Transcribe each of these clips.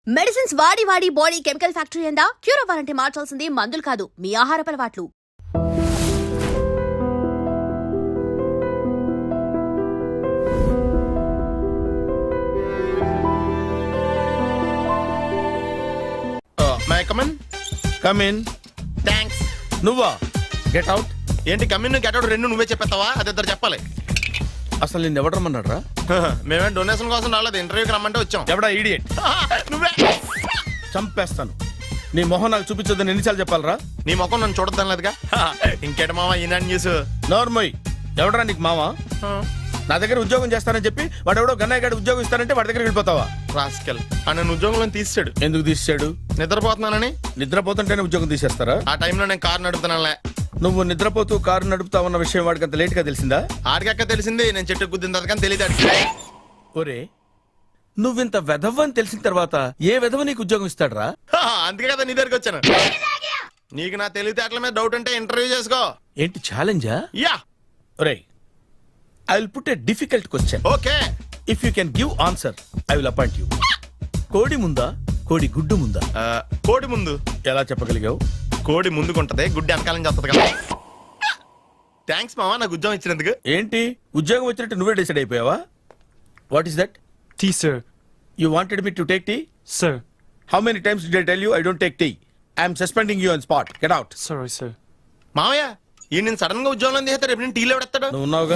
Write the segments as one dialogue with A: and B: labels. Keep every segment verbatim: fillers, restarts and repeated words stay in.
A: Medicines వాడి వాడి body chemical factory అయిందా? క్యూర్ అవ్వాలంటే మార్చాల్సింది మందులు కాదు, మీ ఆహారపు అలవాట్లు.
B: My come on
C: come in.
B: థ్యాంక్స్.
C: నువ్వా? Get out.
B: ఏంటి కమిన్ గెట్ అవుట్ రెండు నువ్వే చెప్పేస్తావా? అది ఇద్దరు చెప్పాలి.
C: అసలు నిన్ను ఎవడు రమ్మన్నాడు రా?
B: మేమే డొనేషన్ కోసం రాలేదు, ఇంటర్వ్యూకి రమ్మంటే వచ్చాం.
C: ఎవడా ఈడియట్?
B: నువ్వే.
C: చంపేస్తాను. నీ మొహం నాకు చూపించొద్దని ఎన్నిసార్లు చెప్పాలరా?
B: నీ ముఖం నన్ను చూడద్దాం లేదుగా. ఇంకేట మామ ఈనాడు న్యూస్.
C: నోర్మోయ్. ఎవడరా నీకు మావా? నా దగ్గర ఉద్యోగం చేస్తానని చెప్పి వాడు ఎవడో గన్నయ్య గారి ఉద్యోగం ఇస్తానంటే వాడి దగ్గర వెళ్ళిపోతావా?
B: రాస్కెల్. ఆ నన్ను ఉద్యోగంలో తీసాడు.
C: ఎందుకు తీసాడు?
B: నిద్రపోతున్నానని.
C: నిద్రపోతుంటేనే ఉద్యోగం తీసేస్తారా?
B: ఆ టైంలో నేను కారు నడుపుతున్నానులే.
C: నువ్వు నిద్రపోతూ కారు నడుపుతావన్న విషయం వాడికి అంత లేట్ గా తెలిసిందా?
B: ఆడికక్క తెలిసింది, నేను చెట్టు గుద్దిన తర్వాత కానీ తెలియదు ఆడికి.
C: ఒరే, నువ్వింత వెధవ్ అని తెలిసిన తర్వాత ఏ వెధవ నీకు ఉద్యోగం ఇస్తాడరా?
B: అందుకే కదా నీ దగ్గరికి వచ్చాను. నీకు నా తెలివితేటల మీద డౌట్ అంటే ఇంటర్వ్యూ చేసుకో.
C: ఏంటి ఛాలెంజా?
B: యా.
C: ఒరే, I will put a difficult question.
B: Okay.
C: If you can give answer I will appoint you. కోడి ముందా, కోడి గుడ్డు ముందా?
B: కోడి ముందు.
C: ఎలా చెప్పగలిగావు?
B: కోడి ముందుకుంటది, గుడ్డి వెనకాలని చేస్తుంది కదా. థ్యాంక్స్ మామా నాకు ఉద్యోగం ఇచ్చినందుకు.
C: ఏంటి ఉద్యోగం వచ్చినట్టు నువ్వే డిసైడ్ అయిపోయావా? What is that?
D: Tea, sir.
C: You wanted me to take tea?
D: Sir.
C: How many times did I tell you I don't take tea? I am suspending you on spot. Get out.
D: Sorry, sir.
B: మామయ్య ఈ నేను sudden గా ఉద్యోగంలో తీస్తాడు, రేపు నేను టీలో పెడతాడు.
C: నువ్వు ఉన్నావుగా?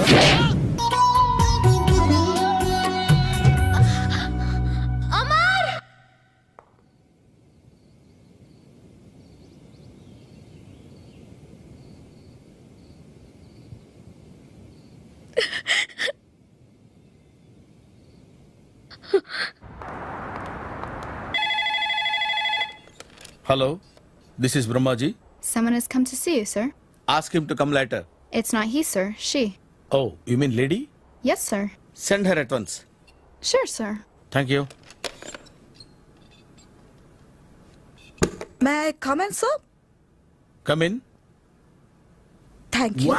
C: Hello, this is Brahmaji.
E: Someone has come to see you, sir.
C: Ask him to come later.
E: It's not he, sir. She.
C: Oh, you mean lady?
E: Yes, sir.
C: Send her at once.
E: Sure, sir.
C: Thank you.
F: May I come in, sir?
C: Come in.
F: Thank you.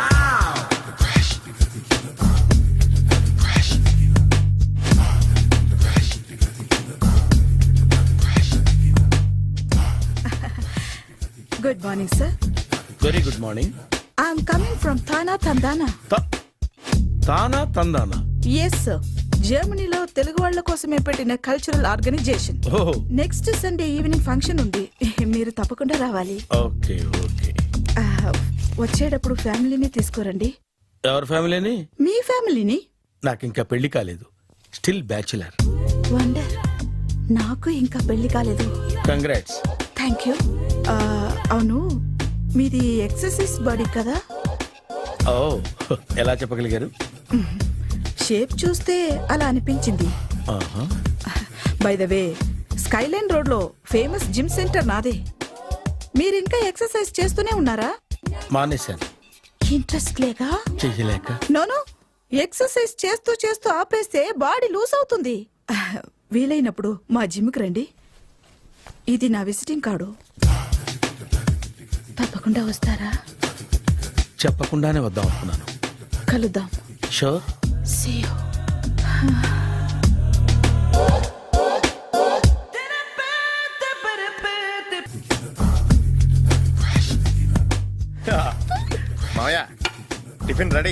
F: Good morning, sir.
C: Very good morning.
F: I'm coming from Thana, Tandana.
C: Ta- Tana Tandana.
F: Yes, sir. జర్మనీలో తెలుగు వాళ్ళ కోసమే పెట్టిన cultural organisation.
C: Oh,
F: next Sunday evening function ఉంది, మీరు తప్పకుండా రావాలి.
C: okay, okay.
F: ఆ, వచ్చేటప్పుడు ఫ్యామిలీని తీసుకురండి.
C: ఎవరి ఫ్యామిలీని?
F: మీ ఫ్యామిలీని.
C: నాకు ఇంకా పెళ్లి కాలేదు. Still bachelor.
F: వండర్. నాకు ఇంకా పెళ్లి కాలేదు.
C: కంగ్రాట్స్.
F: Thank you. అవును, మీది ఎక్సర్సైజ్ బాడీ కదా?
C: ఓ, ఎలా చెప్పగలిగారు?
F: షేప్ చూస్తే అలా అనిపించింది.
C: ఆహా.
F: By the way, skyline road లో ఫేమస్ జిమ్ సెంటర్ నాదే. మీరు ఇంకా ఎక్సర్సైజ్ చేస్తూనే ఉన్నారా?
C: మానేశాను.
F: ఇంట్రెస్ట్ లేగా?
C: చెయ్యలేక.
F: నోను, ఎక్సర్సైజ్ చేస్తూ చేస్తూ ఆపేస్తే బాడీ లూజ్ అవుతుంది. వీలైనప్పుడు మా జిమ్కి రండి. ఇది నా విజిటింగ్ కార్డు. తప్పకుండా వస్తారా?
C: చెప్పకుండానే వద్దాం అనుకున్నాను.
F: కలుద్దాం.
C: షూర్.
F: See you.
B: మామయ్య టిఫిన్ రెడీ.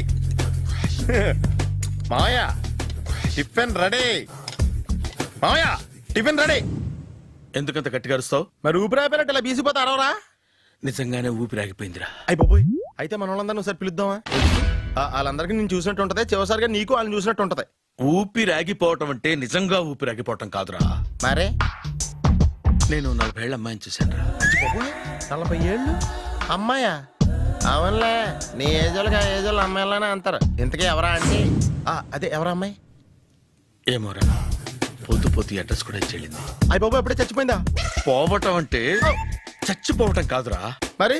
B: మామయ్య టిఫిన్ రెడీ. మామయ్య టిఫిన్ రెడీ.
C: ఎందుకంత గట్టిగా అరుస్తావు?
B: మరి ఊపిరి అయిపోయినట్టు ఇలా బీసిపోతే అరవరా?
C: నిజంగానే ఊపిరాగిపోయిందిరా.
B: అయిపోయి అయితే మన వాళ్ళందరినీ ఒకసారి పిలుద్దామా? ఆ, వాళ్ళందరికీ నేను చూసినట్టు ఉంటది, చివరిసారిగా నీకు వాళ్ళని చూసినట్టు ఉంటది.
C: ఊపిరాగిపోవటం అంటే నిజంగా ఊపిరాగిపోవటం కాదురా.
B: మరే
C: నేను నలభై ఏళ్ళ అమ్మాయిని చూశాను రా.
B: నలభై ఏళ్ళు అమ్మాయా? అవునులే, నీ ఏజోళ్ళకి ఆ ఏజోళ్ళు అమ్మాయిలానే అంటారు. ఇంతకీ ఎవరా అంటే? అదే ఎవరా అమ్మాయి?
C: ఏమోరా, పోతూ పోతూ అడ్రస్ కూడా ఇచ్చేళ్ళింది.
B: అయ్యి బాబు ఎప్పుడే చచ్చిపోయిందా?
C: పోవటం అంటే చచ్చిపోవటం కాదురా.
B: మరి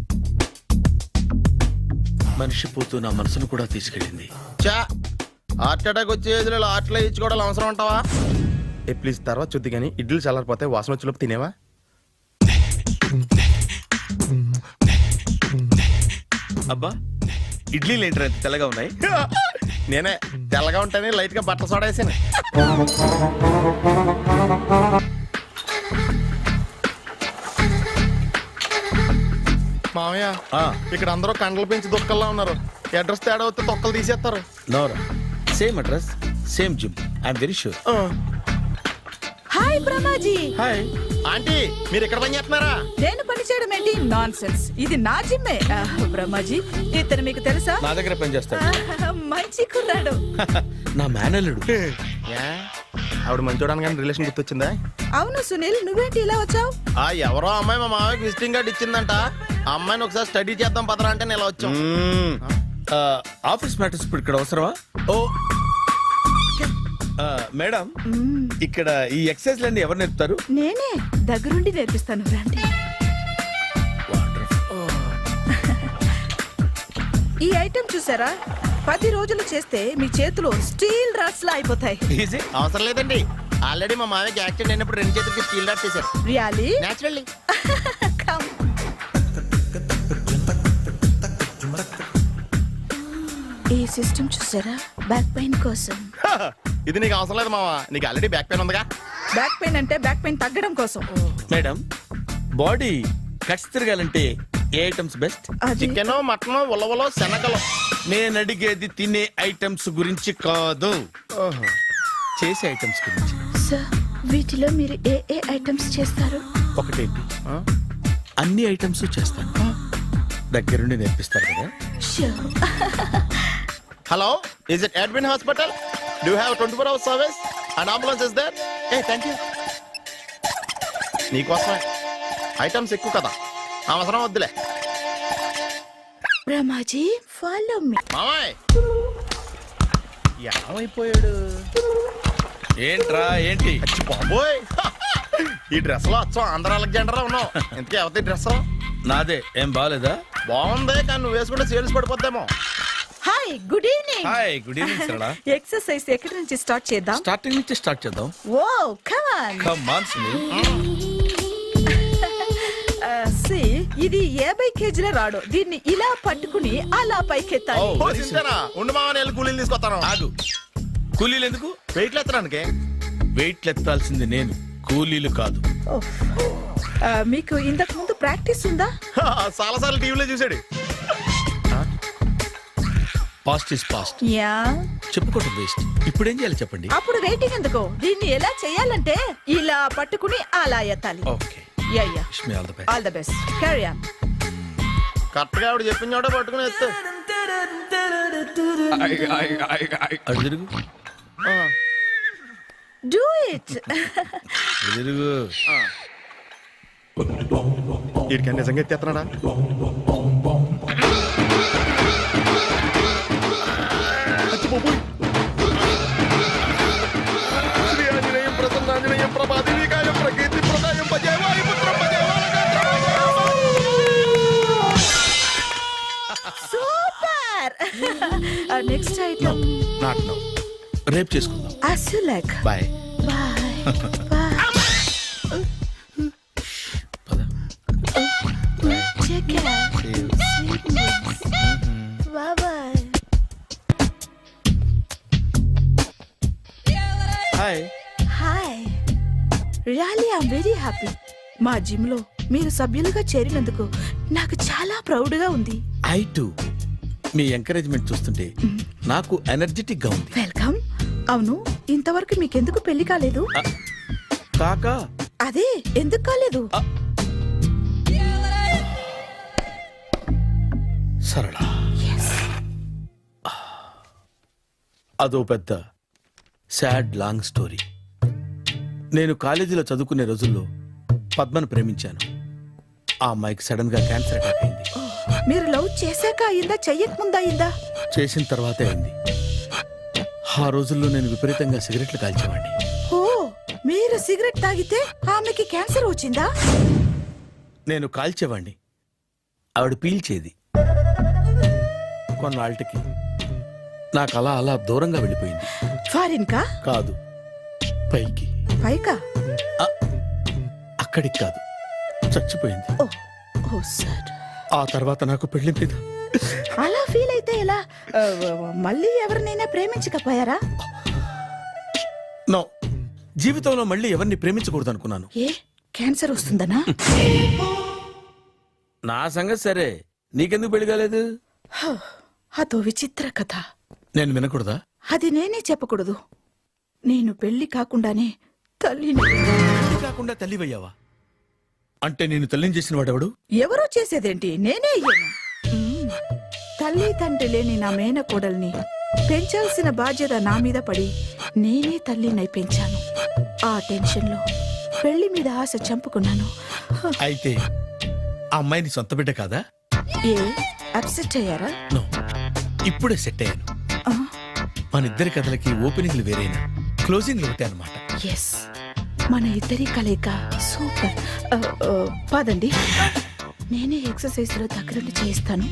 C: మనిషి పోతూ నా మనసును కూడా తీసుకెళ్ళింది.
B: చా హార్ట్ అటాక్ వచ్చే ఏజ్లో హార్ట్లో ఇచ్చుకోవడం అవసరం ఉంటావా? ఏ ప్లీజ్ తర్వాత చూద్ది కానీ ఇడ్లీ చల్లారిపోతే వాసన వచ్చేలోపు తినేవా?
C: అబ్బా, ఇడ్లీలు ఏంటి అంత తెల్లగా ఉన్నాయి?
B: నేనే తెల్లగా ఉంటానే లైట్ గా బట్టలు సోడా వేసాను. మామయ్య
C: ఆ,
B: ఇక్కడ అందరూ కండలు పెంచి దుక్కల్లా ఉన్నారు. అడ్రస్ తేడా వస్తే తొక్కలు తీసేస్తారు.
C: నోరా same address same gym I'm very sure.
F: Hi Brahmaji.
C: Hi.
B: Aunty మీరు ఇక్కడ పని చేస్తున్నారా?
F: నేను పని చేయడం ఏంటి? Nonsense. ఇది నా జిమ్మే. ఆ, బ్రహ్మాజీ ఇతను మీకు తెలుసా?
C: నా దగ్గర పని చేస్తాడు.
F: ఆ, మంచి కుర్రాడు.
C: నా మేనల్లుడు.
B: ఏ? ఆవిడ మంచోడానికి కానీ రిలేషన్ గుర్తొచ్చిందా?
F: అవును సునీల్, నువ్వేంటి ఇలా వచ్చావు?
B: ఆ ఎవరో అమ్మాయి మా మామయ్యకి విజిటింగ్ కార్డ్ ఇచ్చిందంట. ఆ అమ్మాయిని ఒకసారి స్టడీ చేద్దాం పదరా అంటే నేను ఇలా వచ్చాం.
C: మ్మ్. ఆ, ఆఫీస్ మ్యాటర్స్ ఇప్పుడు ఇక్కడ అవసరమా? ఓ ఆ, మేడం ఇక్కడ ఈ ఎక్సర్సైజ్ లన్నీ ఎవరు నేర్పుతారు?
F: నేనే దగ్గరుండి నేర్పిస్తాను, రండి. ఈ ఐటెం చూసారా? పది రోజులు చేస్తే మీ చేతులు స్టీల్ రాట్స్ లా అయిపోతాయి.
C: ఈజీ.
B: అవసరం లేదండి, ఆల్రెడీ మా మామయ్యకి యాక్సిడెంట్ అయినప్పుడు రెండు చేతులకి స్టీల్ డాట్ చేశారు.
F: రియాలీ?
B: నేచురల్లీ.
F: Come. ఈ సిస్టమ్ చూసారా? బ్యాక్ పెయిన్ కోసం.
B: ఇది నీకు అవసరం లేదు మామ, నీకు ఆల్రెడీ బ్యాక్ పెయిన్ ఉందిగా.
F: బ్యాక్ పెయిన్ అంటే బ్యాక్ పెయిన్ తగ్గడం కోసం.
C: మేడం బాడీ కట్స్ తిరగాలంటే ఏ ఐటమ్స్ బెస్ట్?
F: అది
B: చికెన్, మటన్, ఉలవలో, శనగలు.
C: నేను అడిగేది తినే ఐటమ్స్ గురించి కాదు, చేసే ఐటమ్స్ గురించి.
F: సార్, వీటిలో మీరు ఏ ఏ ఐటమ్స్ చేస్తారు?
C: ఒకటేంటి, అన్ని ఐటమ్స్ చేస్తాను. దగ్గరుండి నేర్పిస్తారు కదా.
F: Sure.
B: Hello, is it admin hospital? Do have twenty four hours service and ambulance is there? ఏ థ్యాంక్ యూ. నీకోసమే ఐటమ్స్ ఎక్కువ కదా, అవసరం వద్దులే.
F: Brahmaji, follow me.
B: మామాయ్ ఏమైపోయాడు?
C: ఏంట్రా ఏంటి?
B: అచ్చి బాబోయ్, ఈ డ్రెస్ లో వచ్చాం ఆంధ్ర అలెగ్జాండర్ ఉన్నావు. ఇంతకీ ఎవరి డ్రెస్?
C: నాదే. ఏం బాగాలేదా?
B: బాగుంది, కానీ నువ్వు వేసుకుంటే సేల్స్ పడిపోద్దేమో.
F: Hi, good evening.
C: Hi, good evening Sarala.
F: Exercise ఎక్కడి నుంచి స్టార్ట్ చేద్దాం?
C: స్టార్టింగ్ నుంచి స్టార్ట్ చేద్దాం.
F: Oh come on.
C: Come on Sunil.
F: సి, ఇది యాభై కేజీల రాడు. దీన్ని ఇలా పట్టుకుని అలా పైకెత్తాలి.
C: Oh.
B: ఓ, సింతేనా? ఉండు మామ, నేను కూలీలు తీసుకొస్తాను.
C: ఆగు. కూలీలు ఎందుకు?
B: వెయిట్లు ఎత్తడానికి.
C: వెయిట్లు ఎత్తాల్సింది నేను, కూలీలు కాదు.
F: ఓహ్. ఆ, మీకు ఇంతకు ముందు ప్రాక్టీస్ ఉందా?
B: చాలా సార్లు టీవీలో చూసాడు.
C: Past is past,
F: yeah.
C: చెప్పుకోవటం వేస్ట్. ఇప్పుడు ఏం చేయాలి చెప్పండి.
F: అప్పుడు వెయిటింగ్ ఎందుకు? దీన్ని ఎలా చేయాలంటే ఇలా పట్టుకుని అలా ఎత్తాలి.
C: Okay,
F: yeah yeah.
C: Wish me all the best.
F: All the best. Carry on.
B: Correct గా ఆవిడ చెప్పిన చోట పట్టుకుని ఎత్తు.
C: అటు తిరుగు,
B: ఆ,
F: డూ ఇట్.
C: అటు తిరుగు.
B: వీడికి నిజంగా ఎత్తేస్తున్నాడా? అచ్చి బాబోయ్. శ్రీ ఆంజనేయం ప్రసన్నాంజనేయం ప్రభాదేవికాయం ప్రకీర్తి ప్రదాయం భజే వాయుపుత్రం భజే
F: super. Next item.
C: Not now, రేపు చేసుకుందాం.
F: as you like.
C: Bye.
F: Bye. Bye.
C: పద.
F: Take care. Sweet dreams. Bye bye.
C: Hi.
F: Hi. Really I'm very happy. మా జిమ్ లో మీరు సభ్యులుగా చేరినందుకు నాకు చాలా ప్రౌడ్ గా ఉంది.
C: I to. మీ ఎంకరేజ్మెంట్ చూస్తుంటే నాకు ఎనర్జెటిక్ గా ఉంది.
F: వెల్కమ్. అవును, ఇంతవరకు మీకెందుకు పెళ్లి కాలేదు?
C: కాకా
F: అదే, ఎందుకు కాలేదు?
C: సరళ, అదో పెద్ద సాడ్ లాంగ్ స్టోరీ. నేను కాలేజీలో చదువుకునే రోజుల్లో పద్మను ప్రేమించాను. ఆ అమ్మాయికి సడన్ గా క్యాన్సర్ అటాక్ అయింది.
F: మీరు లవ్ చేశాక అయిందా, చెయ్యక ముందా అయిందా?
C: చేసిన తర్వాతే అయింది. ఆ రోజుల్లో నేను విపరీతంగా సిగరెట్లు కాల్చేవాడిని.
F: ఓ, మీరు సిగరెట్ తాగితే ఆమెకి క్యాన్సర్ వచ్చిందా?
C: నేను కాల్చేవాడిని, ఆవిడ పీల్చేది. కొన్నాళ్ళకి నాకు అలా అలా దూరంగా వెళ్ళిపోయింది.
F: ఫారిన్ కా?
C: కాదు, పైకి.
F: పైకా?
C: ఆ, అక్కడికి కాదు, చచ్చిపోయింది.
F: Oh oh sir.
C: ఆ తర్వాత నాకు పెళ్లి మీద
F: అలా ఫీల్ అయితే ఎలా? ఆ, మళ్ళీ ఎవరినైనా ప్రేమించకపోయారా?
C: నో, జీవితంలో మళ్ళీ ఎవరిని ప్రేమించకూడదు అనుకున్నాను.
F: ఏ, క్యాన్సర్ వస్తుందనా?
C: నా సంగతి సరే, నీకెందుకు పెళ్లి కాలేదు?
F: అదో విచిత్ర కథ.
C: నేను వినకూడదా?
F: అది నేనే చెప్పకూడదు. నేను పెళ్లి కాకుండానే తల్లిని.
C: పెళ్లి కాకుండా తల్లివయ్యావా? అంటే నేను తల్లిని చేసిన వాడెవడు?
F: ఎవరో చేసేదేంటి, నేనే అయ్యాను. మ్మ్. తల్లి తండ్రి లేని నా మేనకోడల్ని పెంచాల్సిన బాధ్యత నా మీద పడి నేనే తల్లినై పెంచాను. ఆ టెన్షన్లో పెళ్లి మీద ఆశ చంపుకున్నాను.
C: అయితే ఆ అమ్మాయిని సొంత బిడ్డ కాదా?
F: ఏ అప్సెట్ అయ్యారా?
C: నో, ఇప్పుడే సెట్ అయ్యాను.
F: ఆ,
C: మన ఇద్దరి కథలకి ఓపెనింగ్లు వేరైనా క్లోజింగ్లు ఒకటే అనమాట.
F: ఎస్, మన ఇద్దరి కలయిక సూపర్. ఆ, ఆ, పదండి, నేనే ఎక్సర్సైజ్ లో దగ్గరుండి చేయిస్తాను.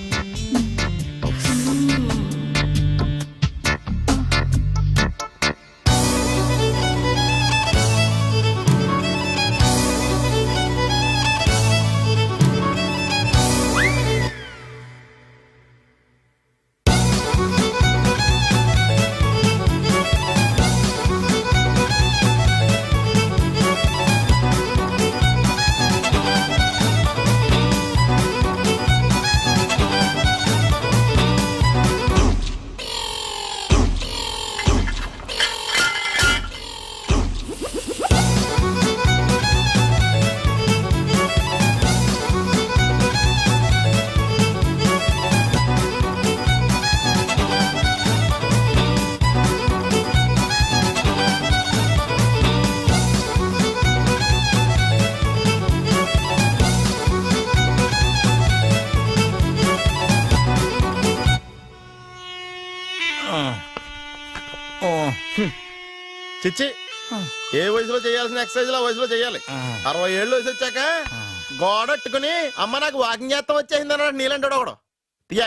B: చిచ్చి, ఏ వయసులో చేయాల్సిన ఎక్సర్సైజ్ ఆ వయసులో చేయాలి. అరవై ఏళ్ళు వయసు వచ్చాక గోడట్టుకుని అమ్మ నాకు వాకింగ్ చేస్తాం వచ్చేసింది అన్నాడు నీలంటాడు ఒకడు. యా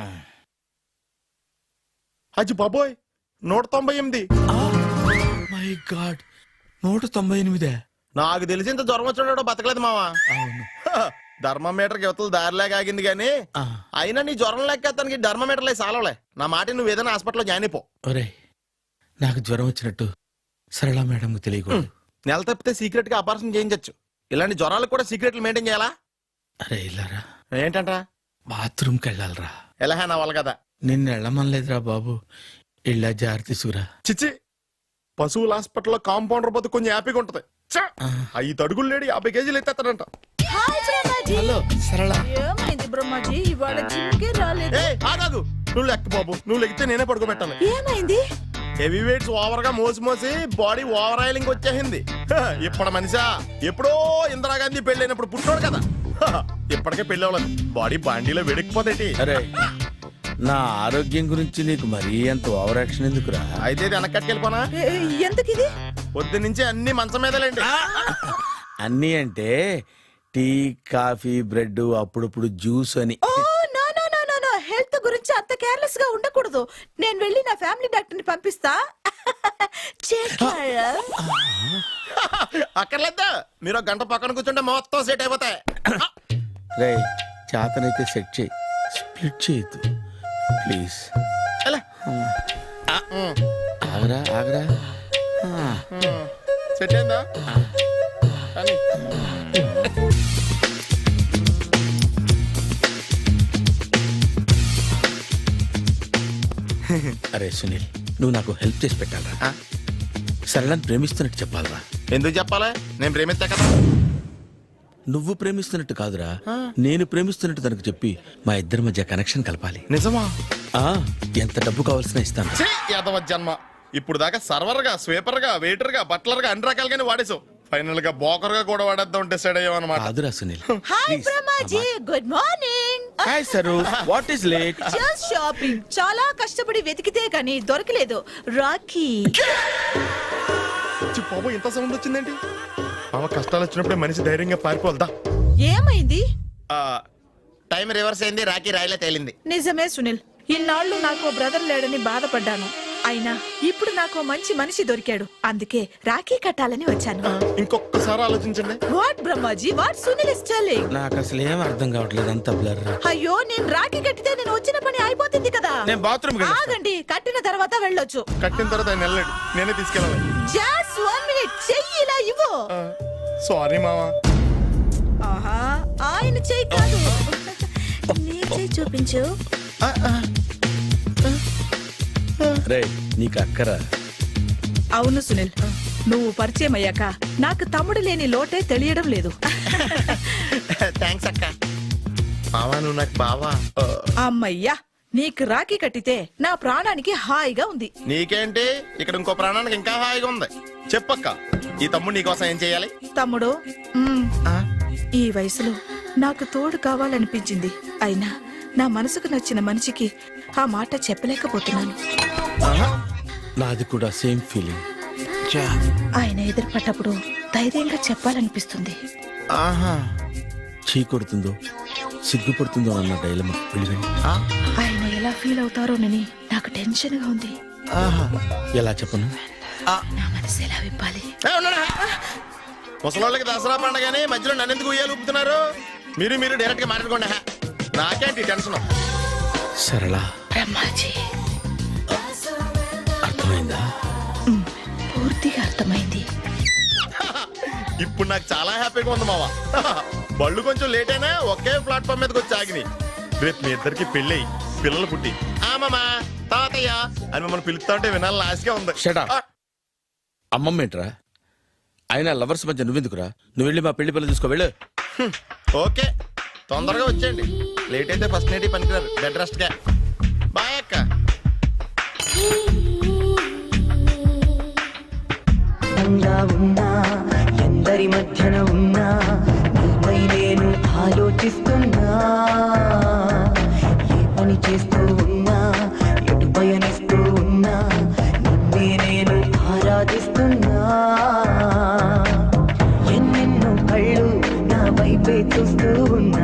B: అజ్జి బాబోయ్, నూట తొంభై ఎనిమిది.
C: మై గాడ్, నూట తొంభై ఎనిమిదే.
B: నాకు తెలిసి ఇంత జ్వరం వచ్చాడు బతకలేదు మావా.
C: అవును.
B: ధర్మమీటర్ యువతలు దారిలాగా ఆగింది గాని
C: ఆ.
B: అయినా నీ జ్వరం లెక్క అతనికి ధర్మమీటర్లే సాలవలే. నా మాట నువ్వు ఏదైనా హాస్పిటల్లో జాయిన్ అయిపో.
C: ఒరే, నాకు జ్వరం వచ్చినట్టు సరళ మేడం తెలియకూడదు.
B: నెల తప్పితే సీక్రెట్ గా ఆపరేషన్ చేయించచ్చు. ఇలాంటి జ్వరాలకు కూడా సీక్రెట్లు మెయింటైన్ చేయాలా?
C: అరే ఇల్లారా,
B: ఏంటంటా?
C: బాత్రూమ్కి వెళ్ళాలరా.
B: ఎలా నా వాళ్ళ కదా.
C: నిన్ను వెళ్ళమనలేదురా బాబు, ఇళ్ళ జారి తీసుకురా.
B: చిచ్చి, పశువుల హాస్పిటల్లో కాంపౌండర్ బతు కొంచెం హ్యాపీగా ఉంటది. ఐదు అడుగులు లేడి యాభై కేజీలు ఎత్తేస్తాడంట.
C: హలో సరళ.
F: ఏమైంది బ్రహ్మాజీ, ఇవాళ జిమ్కే రాలేదు?
B: ఏ ఆగాగు, నువ్వు లెక్క బాబు, నువ్వు లెక్కితే నేనే పడుకోబెట్టాలి.
F: ఏమైంది?
B: హెవీ వెయిట్స్ ఓవర్ గా మోసి మోసి బాడీ ఓవర్ ఆయిలింగ్ వచ్చేసింది. హ, ఇప్పుడు మనిషా ఎప్పుడో ఇందిరాగాంధీ పెళ్ళైనప్పుడు పుట్టాడు కదా. హ, ఇప్పటికే పెళ్ళి అవ్వలేదు, బాడీ బాండీలో వెడికిపోతేటి.
C: అరే, నా ఆరోగ్యం గురించి నీకు మరీ అంత ఓవర్ యాక్షన్ ఎందుకురా?
B: అయితే ఇది వెనకట్టుకెళ్ళిపోనా?
F: ఏ, ఎందుకు ఇది?
B: పొద్దు నుంచి అన్ని మంచం మీదలేండి.
C: అన్నీ అంటే టీ, కాఫీ, బ్రెడ్, అప్పుడప్పుడు జ్యూస్ అని.
F: Oh no no no no no, health గురించి అంత కేర్లెస్ గా ఉండకూడదు. నేను వెళ్ళి నా ఫ్యామిలీ డాక్టర్ ని పంపిస్తా. చేస్తారా?
B: అక్కర్లేదా, మీరు ఒక గంట పక్కన కూర్చుంటే మొత్తం సెట్ అయిపోతాయి.
C: రే, చేతనైతే సెట్ చేయి, స్ప్లిట్ చేయొద్దు ప్లీజ్.
B: ఎలా?
C: ఆగరా ఆగరా. ఆ.
B: సెట్ అయిందా? కానీ
C: అరే సునీల్, నువ్వు నాకు హెల్ప్ చేసి పెట్టాలరా.
B: ఆ?
C: సరళని ప్రేమిస్తున్నట్టు చెప్పాలరా.
B: ఎందుకు చెప్పాలి? నేను ప్రేమిస్తా కదా.
C: నువ్వు ప్రేమిస్తున్నట్టు కాదురా, నేను ప్రేమిస్తున్నట్టు తనకు చెప్పి మా ఇద్దరి మధ్య కనెక్షన్ కలపాలి.
B: నిజమా?
C: ఆ ఎంత డబ్బు కావాల్సిన ఇస్తాను.
B: ఛీ, యాదవ జన్మ. ఇప్పుడు దాకా సర్వర్ గా, స్వీపర్ గా, వెయిటర్ గా, బట్లర్ గా అన్ని రకాలుగానే వాడేసావు. ఫైనల్ గా బోకర్ గా కూడా వాడేద్దాం డిసైడ్ అయ్యామన్నమాట.
C: కాదురా Sunil.
F: Hi Brahmaji, good morning.
C: Hi Saru, what is late?
F: Just shopping. చాలా కష్టపడి వెతికితే గానీ దొరకలేదు. రాఖీ.
B: ఛీ, బాబు ఇంత సౌండ్ వచ్చిందేంటి? మామ కష్టాలు వచ్చినప్పుడే మనిషి ధైర్యంగా పారిపోదా.
F: ఏమైంది?
B: టైం రివర్స్ అయింది, రాఖీ రాయిలా తేలింది.
F: నిజమే సునీల్, ఇన్నాళ్ళు నాకు బ్రదర్ లేడని బాధపడ్డాను. అయినా ఇప్పుడు నాకు మంచి మనిషి దొరికాడు, అందుకే రాఖీ కట్టాలని వచ్చాను.
B: ఇంకొకసారి ఆలోచించండి.
F: What Brahmaji, what Sunil is telling?
C: నాకు అసలు ఏం అర్థం కావట్లేదు, అంత బ్లర్.
F: అయ్యో, నేను రాఖీ కట్టితే నేను వచ్చిన పని అయిపోతుంది కదా.
C: నేను బాత్రూమ్
F: ఆగండి, కట్టిన తర్వాత వెళ్ళొచ్చు.
B: కట్టిన తర్వాత ఆయన వెళ్ళండి, నేనే తీసుకెళ్ళాలి.
F: జస్ట్ వన్ మినిట్, చెయ్యి ఇలా ఇవ్వు.
B: సారీ మావా.
F: ఆహా, ఆయన చెయ్యి కాదు. నీ చేయి చూపించు.
C: రే నీకు అక్కరా
F: అవును సునీల్, నువ్వు పరిచయం అయ్యాక నాకు తమ్ముడు లేని లోటే తెలియడం లేదు.
B: థ్యాంక్స్ అక్క. బావా నువ్వు నాకు బావా.
F: అమ్మయ్యా, నీకు రాఖీ కట్టితే నా ప్రాణానికి హాయిగా ఉంది.
B: నీకేంటి ఇక్కడ ఇంకో ప్రాణానికి ఇంకా హాయిగా ఉంది. చెప్పక్క, ఈ తమ్ముడు నీకోసం ఏం చేయాలి?
F: తమ్ముడు, మ్మ్,
B: ఆ?
F: ఈ వయసులో నాకు తోడు కావాలనిపించింది. అయినా నా మనసుకు నచ్చిన మనిషికి ఆ మాట చెప్పలేకపోతున్నాను.
B: ఆహా.
C: నాది కూడా సేమ్ ఫీలింగ్.
F: ఆయన ఎదురుపడ్డప్పుడు ధైర్యంగా చెప్పాలనిపిస్తుంది.
B: ఆహా.
C: చీ కొడుతుందో సిగ్గుపడుతుందో అన్న డైలమా వెళ్ళిపోయింది.
B: ఆ?
F: ఆయన ఎలా ఫీల్ అవుతారోనని నాకు టెన్షన్ గా ఉంది.
B: ఆహా.
C: ఎలా చెప్పను?
F: నా మనసు ఎలా విప్పాలి?
B: ఏ, ఉన్నాడా? ముసలోళ్ళకి దసరా పండగని మధ్యలో నన్ను ఎందుకు ఉయ్యాలు ఊపుతున్నారు? మీరు మీరు డైరెక్ట్ గా మాట్లాడుకోండి. హా. నాకేంటి టెన్షన్?
C: సరళ
F: బ్రహ్మాజీ,
C: అర్థమైందా?
F: మ్మ్, పూర్తిగా అర్థమైంది.
B: ఇప్పుడు నాకు చాలా హ్యాపీగా ఉంది మావా. బళ్ళు కొంచెం లేట్ అయినా ఒకే ప్లాట్ఫామ్ మీదకి వచ్చి ఆగినాయి. రేపు మీ ఇద్దరికి పెళ్ళి పిల్లలు పుట్టి ఆమమ్మా తాతయ్య అని మమ్మల్ని పిలుస్తా ఉంటే వినాలని ఆశగా ఉంది.
C: Shut up.
B: ఆ,
C: అమ్మమ్మ ఏంట్రా? అయినా లవర్స్ మధ్య నువ్వెందుకురా? నువ్వు వెళ్ళి మా పెళ్లి పిల్లలు తీసుకో వెళ్ళు.
B: హ్మ్. ఓకే, తొందరగా వచ్చేయండి. లేట్ అయితే ఫస్ట్ నైట్ పనికిరారు. బెడ్ రెస్ట్ గా. బాయ్ అక్క.
D: అందంగా ఉన్నా ఎందరి మధ్యన ఉన్నా నీపై నేను ఆలోచిస్తున్నా. ఏ పని చేస్తూ ఉన్నా ఎటు పయనిస్తూ ఉన్నా నిన్నే నేను ఆరాధిస్తున్నా. ఎన్నెన్నో కళ్ళు నా వైపే చూస్తూ ఉన్నా.